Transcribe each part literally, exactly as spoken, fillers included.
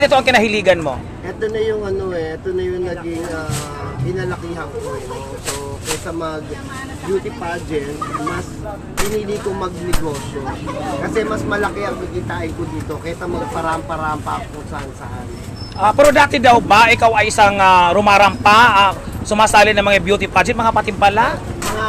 Ito ang kinahiligan mo? Ito na yung ano eh, ito na yung naging uh, pinalakihan ko eh. No? So, kaysa mag beauty pageant, mas pinili ko magnegosyo. Kasi mas malaki ang kikitain ko dito kaysa magparampa-rampa kung saan-saan. Uh, pero dati daw ba, ikaw ay isang uh, rumarampa, uh, sumasali ng mga beauty pageant, mga patimpala? Mga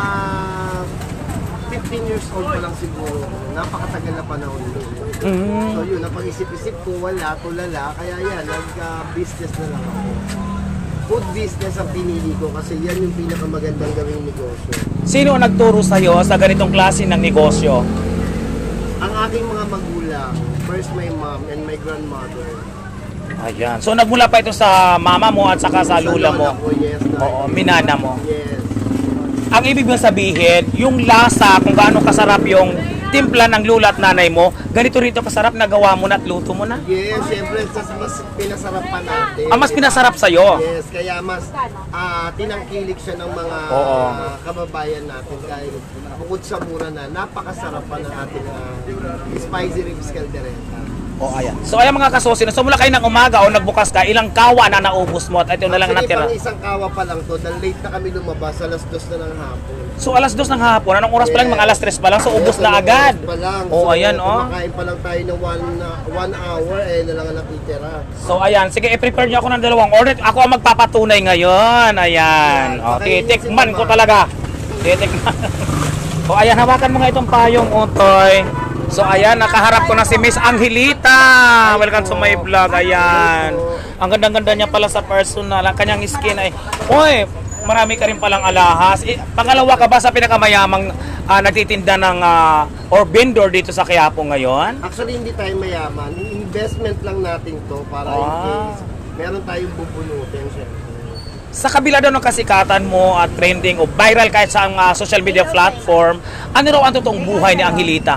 fifteen years old pa lang siguro. Napakatagal na panahon yun. Mm. So yun, napag-isip-isip ko, wala, tulala. Kaya yan, nag-business na lang ako. Food business ang pinili ko kasi yan yung pinakamagandang gawing negosyo. Sino ang nagturo sa'yo sa ganitong klase ng negosyo? Ang aking mga magulang, first my mom and my grandmother. Ayan. So nagmula pa ito sa mama mo at saka sa lula mo? Ko, yes, Oo, minana mo. Yes. Ang ibig mong sabihin, yung lasa, kung gaano kasarap yung timpla ng lula at nanay mo, ganito rito kasarap na gawa mo na at luto mo na? Yes, siyempre, mas pinasarap pa natin. Ah, mas pinasarap sa'yo? Yes, kaya mas uh, tinangkilik siya ng mga Oo. uh, kababayan natin dahil bukod sa mura na, napakasarap pa ng ating uh, spicy ribs caldereta. O, ayan. So, ayan mga kasosin, so mula kayo ng umaga o nagbukas ka, ilang kawa na naubos mo at ito na lang Actually, natira? pang isang kawa pa lang to, dahil late na kami lumabas, alas dos na ng hapon. So, alas dos ng hapon, anong oras pa lang? Mga alas tres pa lang, so ubos Yes, na alas agad. dos pa lang. O, So, ayan, o. kumakain pa lang tayo ng one, uh, one hour, eh, na lang ang nakitira. So, ayan. Sige, i-prepare niyo ako ng dalawang order. Ako ang magpapatunay ngayon. Ayan. O, titikman ko talaga. Titikman. O, ayan. Hawakan mo nga itong payong, Utoy. So, ayan. Nakaharap ko na si Miss Angelita. Welcome to my vlog. Ayan. Ang ganda-ganda niya pala sa personal. Ang kanyang skin ay... Uy, marami ka rin palang alahas. Eh, pangalawa ka ba sa pinakamayamang uh, nagtitinda ng uh, or vendor dito sa Quiapo ngayon? Actually, hindi tayo mayaman. Investment lang natin to para in Ah. case meron tayong bubunutin, syempre. Sa kabila daw ng kasikatan mo at trending o viral kahit sa uh, social media platform, ano raw ang totoong buhay ni Angelita?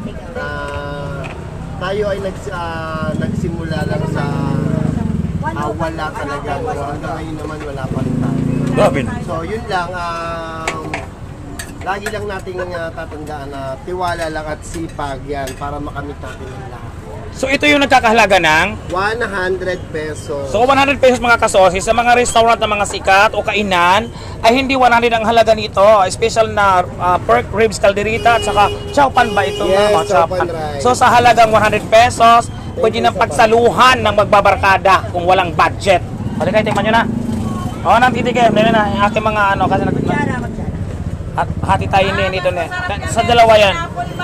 Uh, tayo ay nags, uh, nagsimula lang sa uh, wala talaga. So, hanggang ngayon naman wala pa rin tayo. Robin. So yun lang, um, lagi lang nating uh, tatandaan na tiwala lang at sipag yan para makamit natin ang lahat. So ito yung nagkakahalaga ng? one hundred pesos. So one hundred pesos mga kasosis, sa mga restaurant na mga sikat o kainan, ay hindi one hundred ang halaga nito. Special na uh, pork ribs calderita at saka chowpan ba ito? Yes, mga chowpan rice. So sa halagang one hundred pesos, pwede nang pagsaluhan ng magbabarkada kung walang budget. Halika, tikman nyo na. Oo, nang titikim. Dito na, yung aking mga ano, kasi nag... At hati tayo ni nito na. Sa dalawa yan.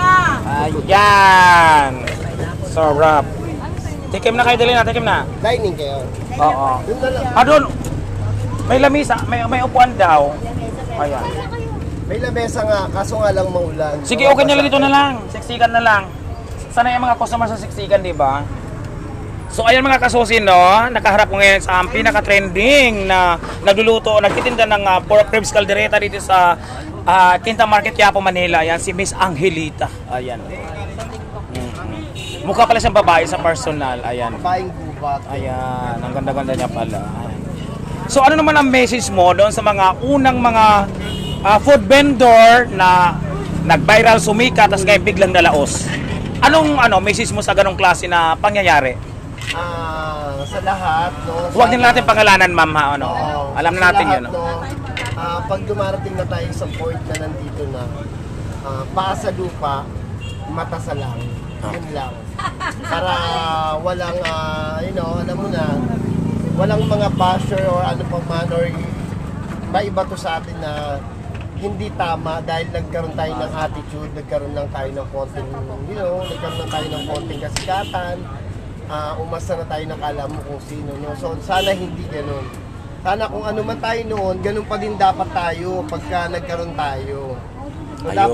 Ayan. Sarap. Tikim na kayo, dali na, tikim na. Dining kayo. Oo. Yun na lang. Ah, doon. May lamisa, may, may upuan daw. Ayan. May lamesa nga, kaso nga lang maulan. Sige, okay na lang dito na lang. Siksikan na lang. Sana yung mga customer sa siksikan, di ba? So ayan mga kasusin, no, nakaharap ko ngayon sa um, pinaka-trending na nagluluto, nagtitinda ng uh, pork ribs caldereta dito sa uh, Quinta Market, Quiapo, Manila. Ayan, si Miss Angelita. Ayan. Mm-hmm. Mukha pala siyang babae sa personal. Ayan. Babaeng gubat. Ayan, ang ganda-ganda niya pala. Ayan. So ano naman ang message mo doon sa mga unang mga uh, food vendor na nag-viral, sumika, tapos ngayon biglang nalaos? Anong ano message mo sa ganong klase na pangyayari? Ah, sa lahat, no. Huwag din natin pangalanan, ma'am, ha, ano? Oo. Alam na Sa natin lahat, 'yun. No? no, ah, pag dumarating na tayo sa point na nandito na, ah, paa sa lupa, mata sa langit. Yun lang. Para walang, ah, you know, alam mo na, walang mga basher or ano pa man or maiba to sa atin na hindi tama dahil nagkaroon tayo ng attitude, nagkaroon lang tayo ng konting, you know, nagkaroon lang tayo ng konting kasikatan, uh, umasa na tayo nakala mo kung sino, no? So sana hindi ganun. Sana kung ano man tayo noon, ganun pa din dapat tayo pagka nagkaroon tayo. So, dapat